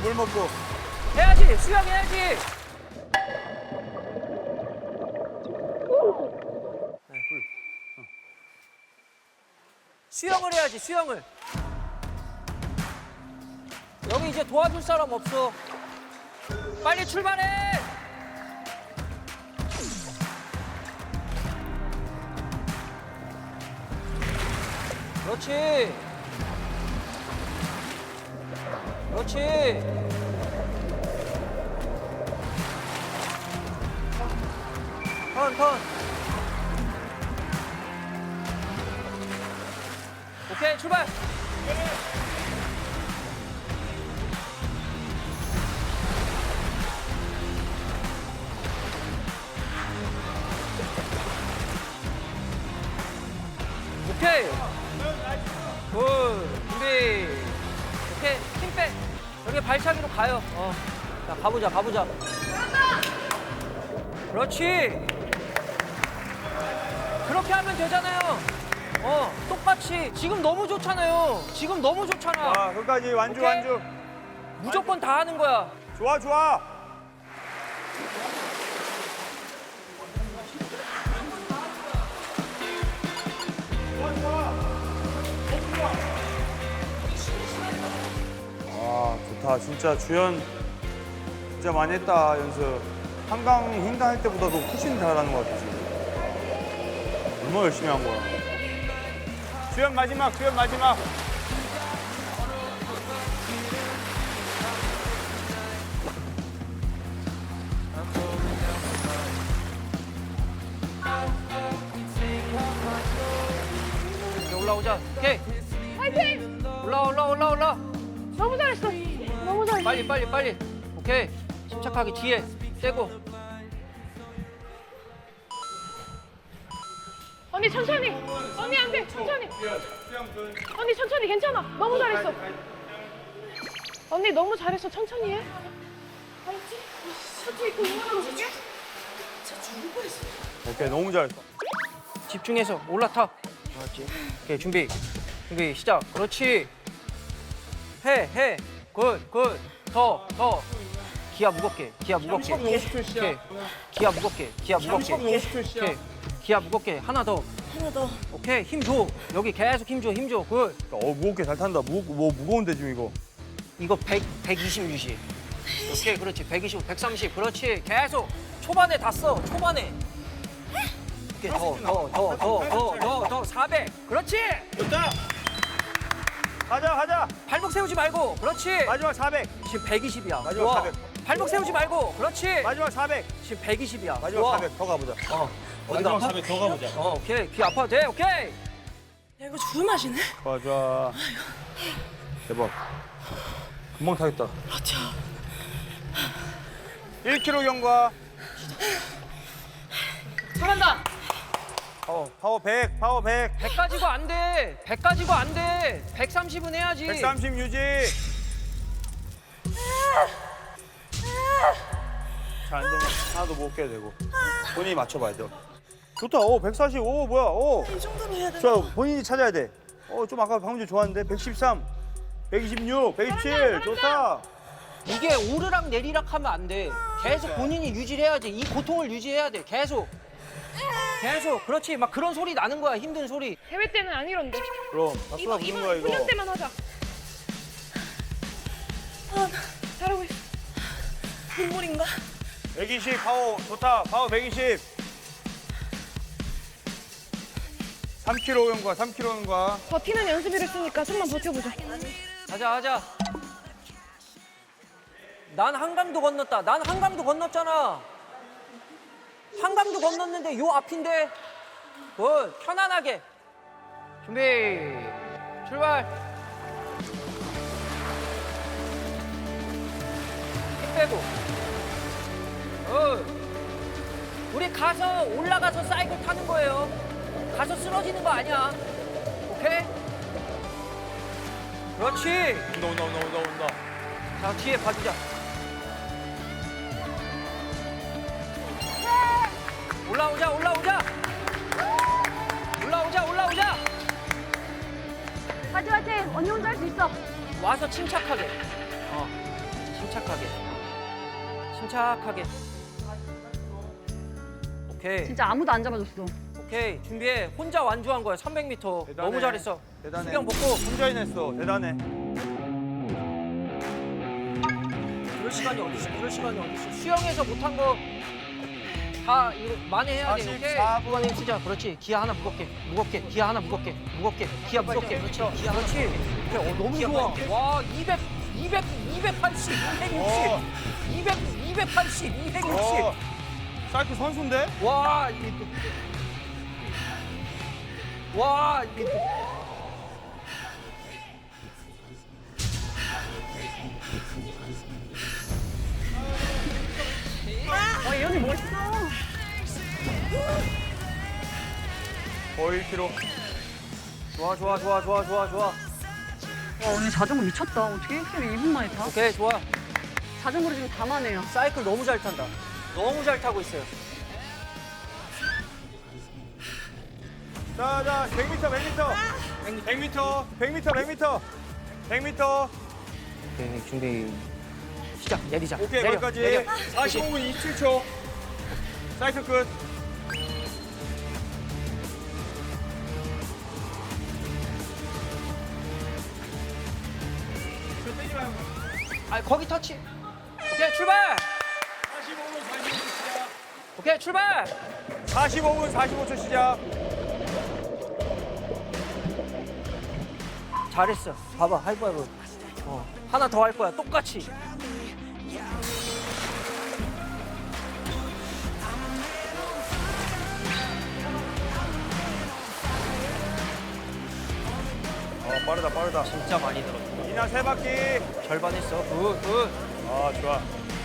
물 먹고. 해야지, 수영해야지. 수영을 해야지, 수영을. 여기 이제 도와줄 사람 없어. 빨리 출발해! 그렇지. 그렇지. 턴. 오케이, 출발. 오케이. 굿. 준비. 오케이. 힘 빼. 여기 발차기로 가요. 자, 가보자. 그렇지. 그렇게 하면 되잖아요. 똑같이. 지금 너무 좋잖아요. 자, 끝까지 완주, 오케이. 완주. 무조건 다 하는 거야. 좋아. 아, 좋다. 진짜 주연 진짜 많이 했다, 연습. 한강 횡단 할 때보다도 훨씬 잘하는 것 같아, 지금. 얼마나 열심히 한 거야. 주연 마지막. 이제 올라오자. 오케이. 화이팅! 올라. 너무 잘했어. 너무 잘했어. 빨리. 오케이. 침착하게 뒤에 떼고. 언니 천천히. 언니 안 돼. 천천히. 언니 천천히 괜찮아. 너무 잘했어. 언니 너무 잘했어. 천천히 해. 알았지? 천천히 입고 응원하고 있을게. 오케이, 너무 잘했어. 집중해서 올라타. 그렇지. 오케이, 준비 시작. 그렇지. 해. 굿. 더. 기아 무겁게. 오케이. 기아 무겁게. 오케이. 기아 무겁게. 하나 더. 오케이, 힘 줘. 여기 계속 힘 줘. 굿. 무겁게 잘 탄다. 무거운데 지금 이거. 이거 120 유지. 오케이, 그렇지. 125, 130. 그렇지. 계속. 초반에 다 써. 초반에. 오케이, 더. 400. 그렇지. 좋다. 가자. 발목 세우지 말고. 그렇지. 마지막 400. 지금 120이야. 마지막 400. 발목 세우지 말고. 그렇지. 마지막 400. 지금 120이야. 마지막 400. 더 가보자. 어디가 아파? 400 더 가보자. 오케이. 귀 아파도 돼. 오케이. 야 이거 죽을 맛이네. 좋아. 대박. 금방 타겠다. 맞아. 1km 경과. 잘한다. 파워 100. 100 가지고 안 돼. 100 가지고 안 돼. 130은 해야지. 130 유지. 잘 안 되면 하나도 못 깨야 되고. 본인이 맞춰봐야 돼. 좋다. 140. 뭐야. 이 정도로 해야 돼. 좋아. 본인이 찾아야 돼. 좀 아까 방금 전에 좋았는데. 113. 126. 127. 좋다. 이게 오르락 내리락 하면 안 돼. 계속 본인이 유지를 해야지. 이 고통을 유지해야 돼. 계속. 그렇지. 막 그런 소리 나는 거야. 힘든 소리. 대회 때는 안 이런데. 그럼 박수가 부는 거야 이거. 훈련 때만 하자. 잘하고 있어. 눈물인가? 120 파워 좋다. 파워 120. 3km 경과. 3km 경과. 버티는 연습을 했으니까 좀만 버텨보자. 하자. 난 한강도 건넜다. 난 한강도 건넜잖아. 한강도 건넜는데 요 앞인데. 굿. 편안하게. 준비. 출발. 힘 빼고. 우리 가서 올라가서 사이클 타는 거예요. 가서 쓰러지는 거 아니야. 오케이? 그렇지. 온다. 자, 뒤에 봐주자. 올라오자. 화이팅! 언니 혼자 할 수 있어. 와서 침착하게. 침착하게. 침착하게. 오케이. 진짜 아무도 안 잡아줬어. 오케이. 준비해. 혼자 완주한 거야. 300m. 대단해. 너무 잘했어. 대단해. 수경 벗고. 혼자 해냈어. 대단해. 그럴 시간이 어딨어. 그럴 시간이 어딨어. 수영에서 못한 거 다 이거 만회해야 돼. 오케이. 44분. 후반에 쓰자. 그렇지. 기아 하나 무겁게. 무겁게. 기아 하나 무겁게. 무겁게. 기아 무겁게. 그렇지. 기아 그렇지. 오케이. 너무 좋아. 와, 200, 280, 260. 280, 260. 사이클 선수인데? 와, 이게 또. 와, 이게 또. 이 언니 멋있어. 거의 1km. 좋아, 좋아, 좋아, 좋아, 좋아, 좋아. 와, 언니 자전거 미쳤다. 어떻게 1km 2분 만에 타? 오케이, 좋아. 자전거를 지금 다 마네요. 사이클 너무 잘 탄다. 너무 잘 타고 있어요. 자, 100m, 100m. 100m, 100m, 100m. 100m. 오케이, 준비. 시작. 내리자. 오케이, 내려, 거기까지. 내려. 45분 27초. 사이클 끝. 아, 거기 터치. 오케이, 출발. 45분 45초 시작. 오케이, 출발. 45분 45초 시작. 잘했어. 봐봐, 하이파이브. 하나 더 할 거야. 똑같이. 빠르다, 빠르다. 진짜 많이 늘었어. 이나 세 바퀴. 절반 했어. 굿, 굿. 아, 좋아.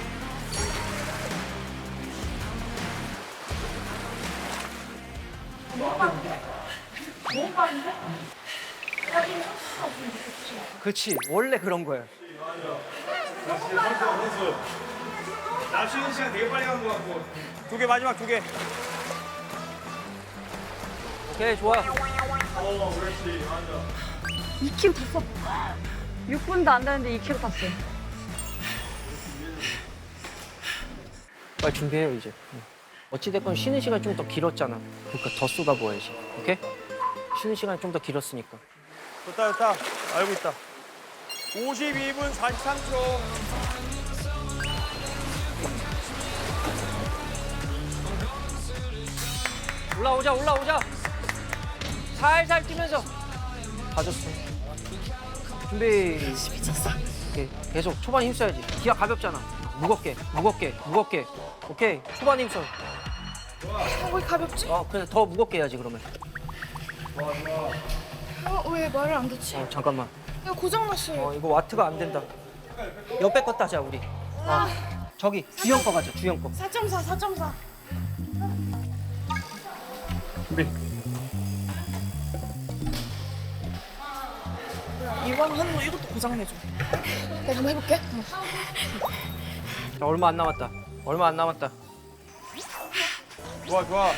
그렇지. 원래 그런 거야. 나 쉬는 시간 되게 빨리 간 것 같고. 두 개, 마지막 두 개. 오케이, 좋아. 그렇지. 맞아. 2km 탔어. 6분도 안 되는데 2km 탔어. 빨리 준비해요, 이제. 어찌됐건 쉬는 시간 좀 더 길었잖아. 그러니까 더 쏟아부어야지. 오케이? 쉬는 시간이 좀 더 길었으니까. 좋다, 좋다. 알고 있다. 52분 43초. 올라오자, 올라오자. 살살 뛰면서. 가졌어. 준비. 미쳤어. 오케이. 계속 초반 힘써야지. 기아 가볍잖아. 무겁게, 무겁게, 무겁게. 오케이. 초반 힘써. 왜 가볍지? 그냥 더 무겁게 해야지, 그러면. 왜 말을 안 듣지? 잠깐만. 이거 고장났어요. 이거 와트가 안 된다. 옆에 거 따자, 우리. 저기, 주영 거 가자, 주영 거. 4.4, 4.4. 이왕 하는 거 이것도 고장내줘. 내가 한번 해볼게. 자, 얼마 안 남았다. 얼마 안 남았다. 좋아, 좋아.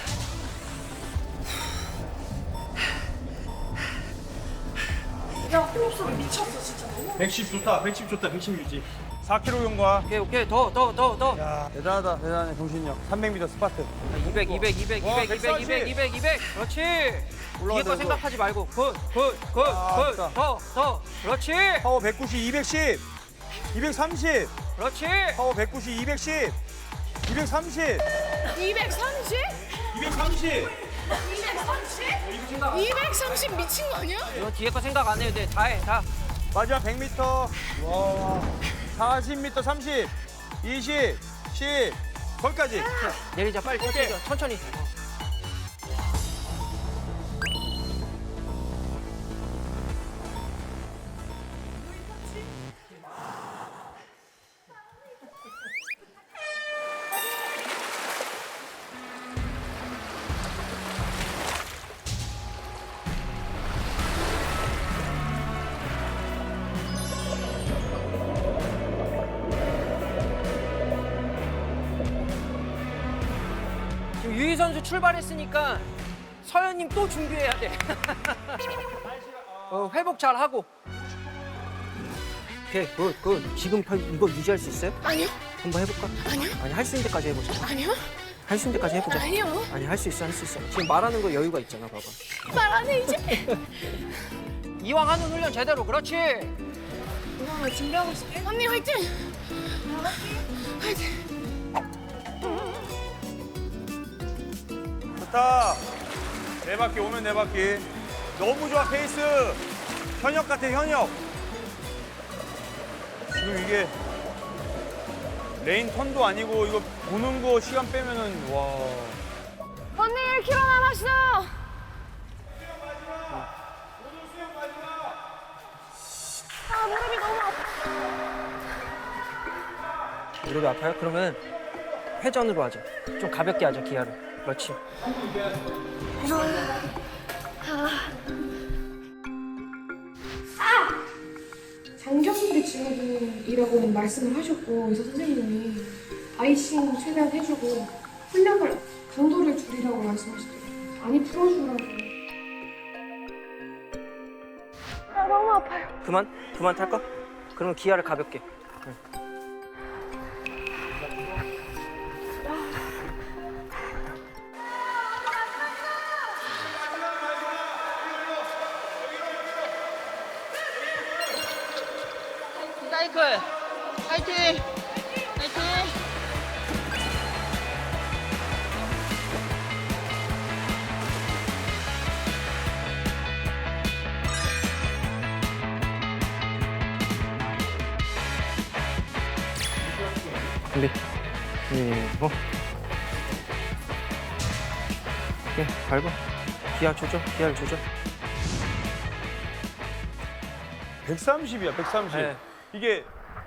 야, 호흡소리 미쳤어, 진짜. 110 좋다, 110 좋다, 110 유지. 4km 용과. 오케이, 오케이. 더. 야, 대단하다, 대단해, 정신력. 300m 스파트. 200, 200, 200, 와, 200, 200, 200, 200, 200. 그렇지. 뒤에 올라가자, 거 이거. 생각하지 말고. 굿. 아, 좋다. 더. 그렇지. 파워 190, 210. 230. 그렇지. 파워 190, 210. 230. 230? 230. 230? 230 미친 거 아니야? 이거 뒤에 거 생각 안 해도 돼. 다 해, 다. 마지막 100m. 와. 40m 30. 20. 10. 거기까지. 내리자, 빨리 천천히. 지금 유희 선수 출발했으니까 서현님 또 준비해야 돼. 회복 잘 하고. 오케이, 굿. 지금 이거 유지할 수 있어요? 아니요. 한번 해볼까? 아니요. 아니, 할 수 있는 데까지 해보자. 아니요. 할 수 있는 데까지 해보자. 아니요. 아니, 할 수 있어. 지금 말하는 거 여유가 있잖아, 봐봐. 말 안 해, 이제. 이왕 하는 훈련 제대로, 그렇지. 이거 나 준비하고 있어. 언니, 화이팅! 화이팅! 좋다. 네 바퀴 오면 네 바퀴. 너무 좋아 페이스. 현역 같아 현역. 지금 이게 레인 턴도 아니고 이거 보는 거 시간 빼면은 와. 언니, 1km 남았어. 아, 무릎이 너무 아파. 무릎이 아파요? 그러면 회전으로 하자. 좀 가볍게 하자, 기아를. 그렇지. 장경리 증후군이라고 말씀을 하셨고 의사 선생님이 아이싱 최대한 해주고 훈련을 강도를 줄이라고 말씀하시더라고요. 많이 풀어주라고. 아, 너무 아파요. 그만 탈까? 그러면 기아를 가볍게. 사이클 파이팅! 파이팅! 준비. 오케이, 밟아. 기아를 조져. 130이야 130. 네. 이게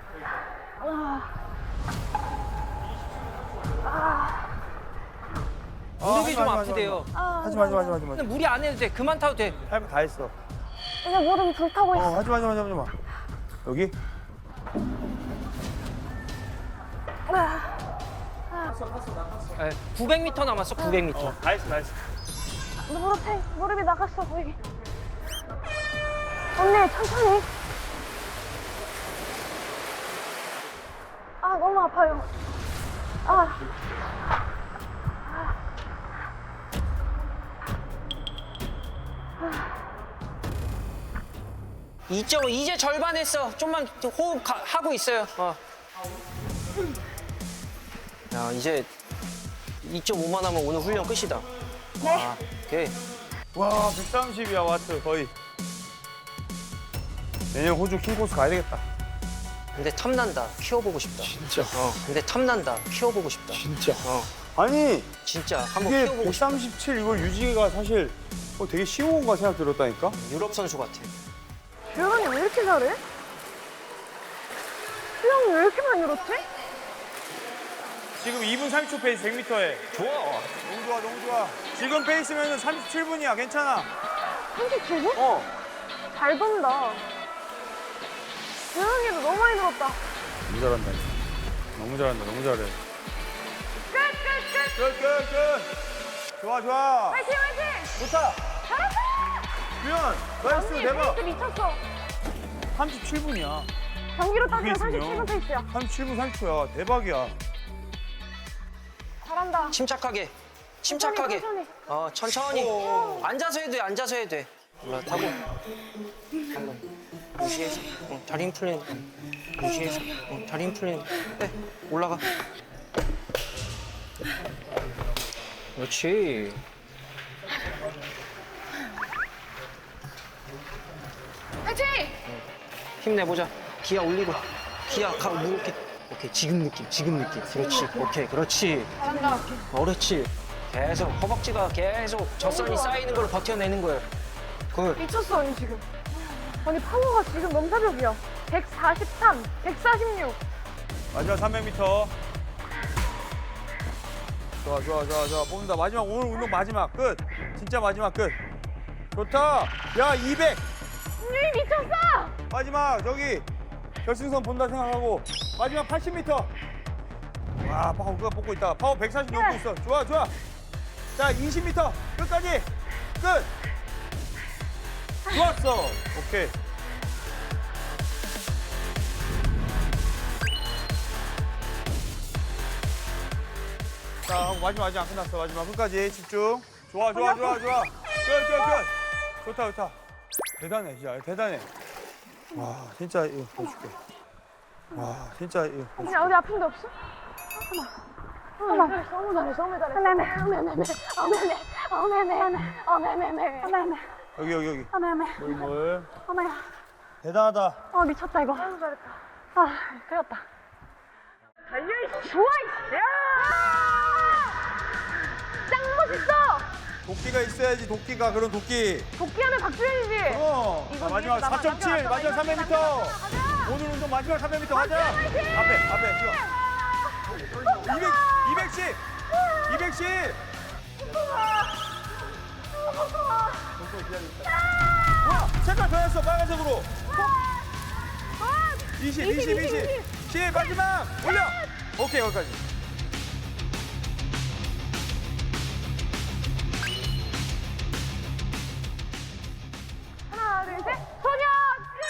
무릎이 좀 아프대요. 하지마. 근데 무리 안 해도 돼. 그만 타도 돼. 할 거 다 했어. 이제 무릎이 불타고 있어. 하지마. 여기? 네, 900m 남았어, 900m. 다 했어. 무릎이 나갔어, 거의. 언니, 천천히. 아, 너무 아파요. 아. 2.5 이제 절반 했어. 좀만 호흡 하고 있어요. 야, 이제 2.5만 하면 오늘 훈련 끝이다. 네. 오케이. 와 130이야 와트 거의. 내년 호주 킹코스 가야 되겠다. 근데 탐난다. 키워보고 싶다. 진짜. 근데 탐난다. 키워보고 싶다. 진짜. 아니 진짜 한번 이게 키워보고 싶다. 137 이걸 유지가 사실 되게 쉬운 건가 생각 들었다니까. 유럽 선수 같아. 주현이 왜 이렇게 잘해? 수영이 왜 이렇게 많이 늘었지? 지금 2분 30초 페이스 100m에. 좋아. 너무 좋아. 지금 페이스면은 37분이야. 괜찮아. 37분? 잘 돈다. 주현이도 너무 많이 늘었다. 너무 잘한다. 너무 잘해. 끝. 좋아. 화이팅! 좋다. 잘했어! 규현, 나이스 언니 대박. 페이스 미쳤어. 37분이야. 경기로 따지면 그게 37분 페이스야. 37분 30초야. 대박이야. 잘한다. 침착하게. 천천히. 천천히. 오. 앉아서 해도 돼. 올라타고. 한번 무시해서. 다리 힘 풀리는 거. 무시해서. 다리 힘 풀리는 거. 네, 올라가. 그렇지. 화이팅! 힘내보자. 기아 올리고. 기아 무겁게. 오케이, 지금 느낌. 그렇지. 오케이, 그렇지. 잘한다. 그렇지. 계속 허벅지가 계속 젖선이 쌓이는 걸 버텨내는 거예요. 그 미쳤어, 언니 지금. 언니 파워가 지금 넘사벽이야. 143, 146. 마지막 300m. 좋아. 뽑는다. 마지막 오늘 운동 마지막 끝. 진짜 마지막 끝. 좋다. 야 200. 언니 미쳤어! 마지막 저기 결승선 본다 생각하고 마지막 80m. 와 파워 그거 뽑고 있다. 파워 140 넘고 있어. 좋아. 자 20m 끝까지 끝. 좋았어. 오케이. 자, 하고 마지막 아직 안 끝났어. 마지막 끝까지 집중. 좋아. 끝. 좋다. 대단해, 진짜. 대단해. 와, 진짜 이거 보여줄게. 와, 진짜 이거 보여줄게. 그냥 어디 아픈 데 없어? 어머 잘했어. 너무 잘했어. 여기. 어메메. 물. 어머야. 대단하다. 미쳤다 이거. 너무 잘했다. 그렸다. 좋아 이씨. 짱 멋있어. 도끼가 있어야지, 도끼가. 그런 도끼. 복귀하면 박주현이지. 자, 마지막 4.7, 마지막 300m. 오늘 운동 마지막 300m 가자. 앞에, 뛰어. 210. 와, 색깔 변했어, 빨간색으로. 20. 10, 마지막. 올려. 오케이, 여기까지. 하나 둘 셋. 소녀 끝.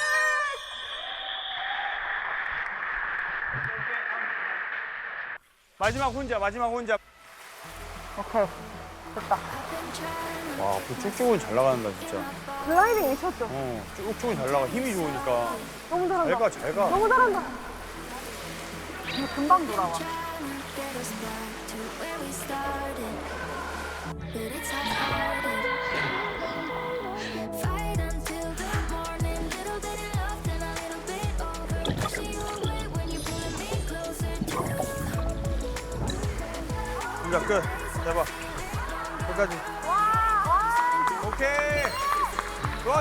마지막 혼자. 오케이. 됐다. 와, 그 쭉쭉은 잘 나간다, 진짜. 글라이딩 미쳤죠? 쭉쭉은 잘 나가. 힘이 좋으니까. 너무 잘한다. 잘 가. 너무 잘한다. 이거 금방 돌아와. 혼자 끝. 대박. 끝까지. 오케이. 좋아.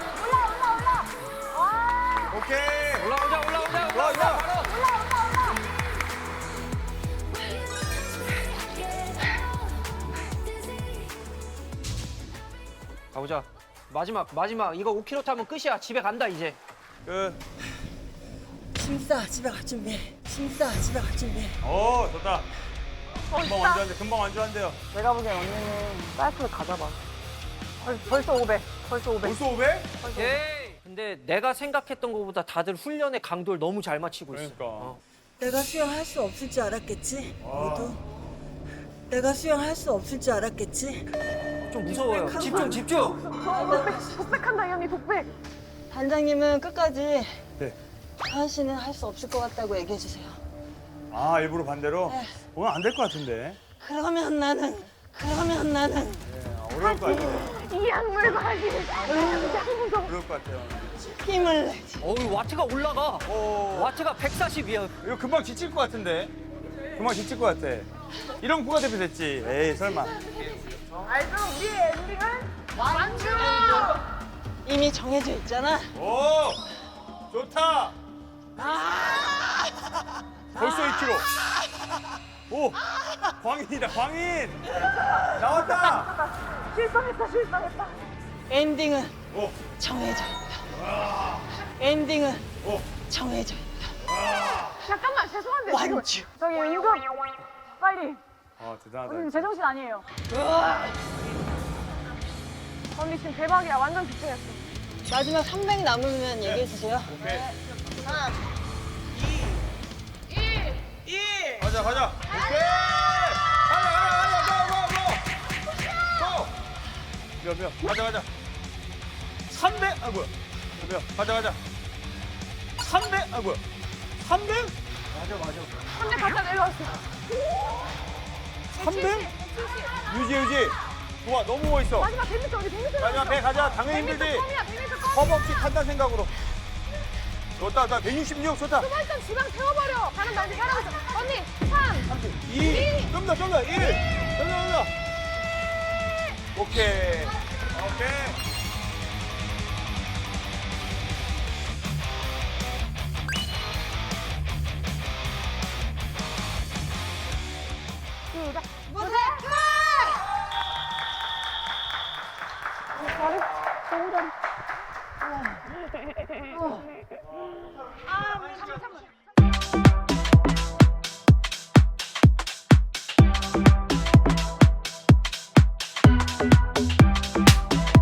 오케이. 올라오자. 좋아. 바로. 가보자. 마지막. 이거 5km 타면 끝이야. 집에 간다 이제. 끝. 심싸 집에 갈 준비. 오, 좋다. 금방 완주한대요. 내가 보기엔 언니는 사이클을 가져봐. 벌써 500. 벌써 500? 오케이. 근데 내가 생각했던 것보다 다들 훈련의 강도를 너무 잘 맞추고 있어. 그러니까. 내가 수영할 수 없을 줄 알았겠지. 모두. 내가 수영할 수 없을 줄 알았겠지. 좀 무서워요. 집중. 독백한다 이 언니 독백. 단장님은 끝까지 네. 하은 씨는 할 수 없을 것 같다고 얘기해 주세요. 아, 일부러 반대로? 네. 오늘 안 될 것 같은데. 그러면 나는 어려울 것 같은데. 이 약물 과지. 어려울 것 같아요. 힘을 내지. 어우 와트가 올라가. 오. 와트가 140이야. 이거 금방 지칠 것 같은데. 금방 지칠 것 같아. 이런 국가대표 됐지. 에이, 설마. 알죠? 우리의 엔딩은 완주. 이미 정해져 있잖아. 오! 좋다! 벌써 2kg. 오! 광인이다, 광인! 나왔다! 실성했다. 엔딩은 오! 정해져 있다. 엔딩은 오! 정해져 있다. 잠깐만 죄송한데 지금 완주. 저기 응급 빨리. 아, 대단하다. 언니 제정신 아니에요. 언니 지금 대박이야. 완전 집중했어. 마지막 300 남으면 얘기해 주세요. 오케이. 3, 2, 1. 가자. 오케이! 가자, 고! 가자. 300! 아, 뭐야. 가자. 300! 아, 뭐야. 300? 근데 갖다 내려왔어. 300? 유지. 좋아, 너무 멋있어. 마지막 100m 어디 100m. 마지막 100 가자. 당연히 힘들지. 100m 허벅지 탄다 생각으로. 좋다. 166 좋다. 일단 주방 태워버려. 가는 날 잘하고 있어. 언니 3. 2. 좀 더. 1. 좀 더. 오케이. 무대 끝! 잘했어. 너무 잘했어. 아, 3.